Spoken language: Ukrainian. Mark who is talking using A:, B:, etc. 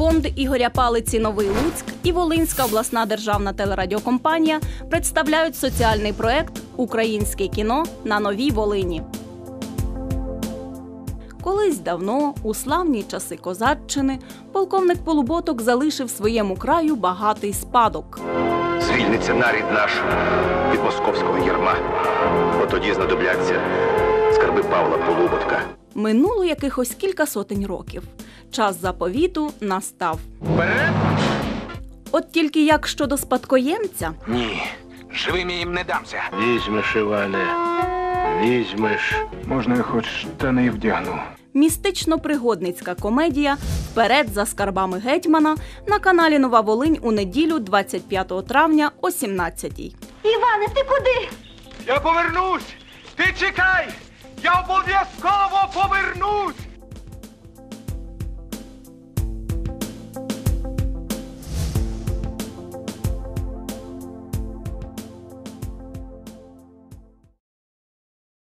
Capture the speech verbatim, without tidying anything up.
A: Фонд Ігоря Палиці «Новий Луцьк» і Волинська обласна державна телерадіокомпанія представляють соціальний проект «Українське кіно на Новій Волині». Колись давно, у славні часи козаччини, полковник Полуботок залишив своєму краю багатий спадок.
B: Звільниться нарід наш від московського ярма. От тоді знадобляться скарби Павла Полуботка.
A: Минуло якихось кілька сотень років. Час заповіту настав.
B: Вперед!
A: От тільки як щодо спадкоємця?
B: Ні, живим я їм не дамся.
C: Візьмеш, Іване, візьмеш.
D: Можна я хоч штани вдягну?
A: Містично-пригодницька комедія «Вперед за скарбами гетьмана» на каналі «Нова Волинь» у неділю двадцять п'ятого травня о сімнадцятій.
E: Іване, ти куди?
D: Я повернусь! Ти чекай! Я обов'язково повернусь!